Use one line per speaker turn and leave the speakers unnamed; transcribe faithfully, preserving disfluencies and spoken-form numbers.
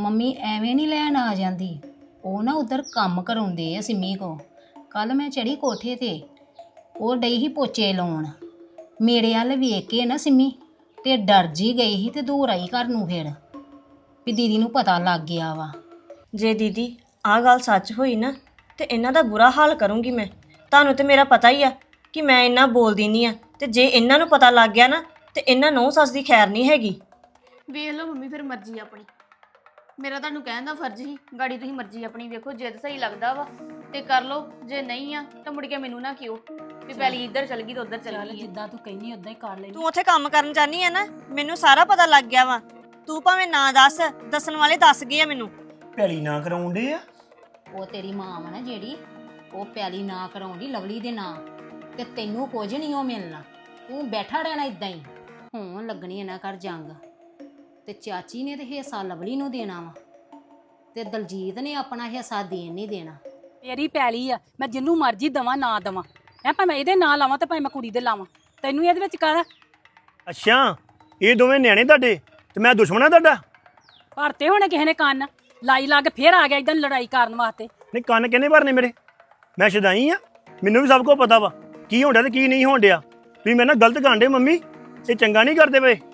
Mummy ਐਵੇਂ ਨਹੀਂ ਲੈਣ ਆ ਜਾਂਦੀ। ਉਹ ਨਾ ਉਧਰ ਕੰਮ ਕਰਾਉਂਦੇ ਆ ਸਿੰਮੀ ਕੋ। ਕੱਲ ਮੈਂ ਚੜੀ ਕੋਠੇ ਤੇ, ਉਹ ਡਈ ਹੀ ਪੋਚੇ ਲਾਉਣ। ਮੇਰੇ ਵੱਲ ਵੇਖ ਕੇ ਨਾ ਸਿੰਮੀ ਤੇ ਡਰ ਜੀ ਗਈ ਸੀ ਤੇ ਦੂਰ ਆਈ ਘਰ ਨੂੰ। ਫਿਰ ਵੀ ਦੀਦੀ ਨੂੰ ਪਤਾ ਲੱਗ ਗਿਆ ਵਾ।
ਜੇ ਦੀਦੀ ਆਹ ਗੱਲ ਸੱਚ ਹੋਈ ਨਾ ਤੇ ਇਹਨਾਂ ਦਾ ਬੁਰਾ ਹਾਲ ਕਰੂੰਗੀ ਮੈਂ। ਤੁਹਾਨੂੰ ਤੇ ਮੇਰਾ ਪਤਾ ਹੀ ਆ ਕਿ ਮੈਂ ਇੰਨਾ ਬੋਲਦੀ ਨਹੀਂ ਆ, ਤੇ ਜੇ ਇਹਨਾਂ ਨੂੰ ਪਤਾ ਲੱਗ ਗਿਆ ਨਾ ਤੇ ਇਹਨਾਂ ਨੂੰ ਸੱਸ ਦੀ ਖੈਰ ਨਹੀਂ ਹੈਗੀ।
ਵੇਖ ਲਓ ਮੰਮੀ, ਫਿਰ ਮਰਜ਼ੀ ਆਪਣੀ। ਮੇਰਾ ਤੁਹਾਨੂੰ ਕਹਿਣ ਦਾ ਫਰਜ਼ ਹੀ, ਗਾੜੀ ਤੁਸੀਂ ਮਰਜ਼ੀ ਆਪਣੀ ਵੇਖੋ। ਜੇ ਤਾਂ ਸਹੀ ਲੱਗਦਾ ਵਾ ਤੇ ਕਰ ਲਓ, ਜੇ ਨਹੀਂ ਆ ਤਾਂ ਮੁੜ ਕੇ ਮੈਨੂੰ ਨਾ ਕਿਉਂ ਵੀ ਪਹਿਲੀ ਇੱਧਰ ਚਲ ਗਈ ਤੇ ਉੱਧਰ ਚਲ ਗਈ।
ਜਿੱਦਾਂ ਤੂੰ ਕਹਿੰਦੀ ਉਦਾਂ ਹੀ ਕਰ ਲੈ।
ਤੂੰ ਉੱਥੇ ਕੰਮ ਕਰਨ ਜਾਨੀ ਆ ਨਾ, ਮੈਨੂੰ ਸਾਰਾ ਪਤਾ ਲੱਗ ਗਿਆ ਵਾ। ਤੂੰ ਭਾਵੇਂ ਨਾ ਦੱਸ, ਦੱਸਣ ਵਾਲੇ ਦੱਸ ਗਏ ਆ ਮੈਨੂੰ।
ਭੈਲੀ ਨਾ ਕਰਾਉਂਦੇ ਆ।
ਉਹ ਤੇਰੀ ਮਾਂ ਵਾ ਨਾ ਜਿਹੜੀ, ਉਹ ਪਿਆਲੀ ਨਾ ਕਰਾਉਂਦੀ ਲਵਲੀ ਦੇ ਨਾਂ ਤੇ ਤੈਨੂੰ ਕੁਝ ਨਹੀਂ ਉਹ ਮਿਲਣਾ। ਤੂੰ ਬੈਠਾ ਰਹਿਣਾ ਇਦਾਂ ਹੀ। ਹੁਣ ਲੱਗਣੀ ਇਹਨਾਂ ਘਰ ਜੰਗ, ਤੇ ਚਾਚੀ ਨੇ ਤੇ ਹਿੱਸਾ ਲਵਲੀ ਨੂੰ ਦੇਣਾ ਵਾ ਤੇ ਦਲਜੀਤ ਨੇ ਆਪਣਾ ਹਿੱਸਾ ਦੇਣ ਨਹੀਂ ਦੇਣਾ।
ਮੇਰੀ ਪੈਲੀ ਆ, ਮੈਂ ਜਿੰਨੂੰ ਮਰਜ਼ੀ ਦਵਾਂ ਨਾ ਦਵਾਂ ਹੈ, ਭਾਵੇਂ ਮੈਂ ਇਹਦੇ ਨਾਂ ਲਾਵਾਂ ਤੇ ਭਾਵੇਂ ਮੈਂ ਕੁੜੀ ਦੇ ਲਾਵਾਂ। ਤੈਨੂੰ ਇਹਦੇ ਵਿੱਚ ਕਰ।
ਅੱਛਾ, ਇਹ ਦੋਵੇਂ ਨਿਆਣੇ ਤੁਹਾਡੇ ਤੇ ਮੈਂ ਦੁਸ਼ਮਣ ਆ ਤੁਹਾਡਾ?
ਭਰਤੇ ਹੋਣੇ ਕਿਸੇ ਨੇ ਕੰਨ ਲਾਈ ਲਾ ਕੇ ਫੇਰ ਆ ਗਿਆ ਇਦਾਂ ਲੜਾਈ ਕਰਨ ਵਾਸਤੇ।
ਨਹੀਂ, ਕੰਨ ਕਿਹਨੇ ਭਰਨੇ ਮੇਰੇ? ਮੈਂ ਸ਼ਦਾਈ ਆ, ਮੈਨੂੰ ਵੀ ਸਭ ਕੁਝ ਪਤਾ ਵਾ ਕੀ ਹੋਣ ਡਿਆ ਤੇ ਕੀ ਨਹੀਂ ਹੋਣ ਡਿਆ। ਵੀ ਮੈਂ ਨਾ ਗਲਤ ਕਰਨ ਡੇ ਮੰਮੀ, ਇਹ ਚੰਗਾ ਨਹੀਂ ਕਰਦੇ ਪਏ।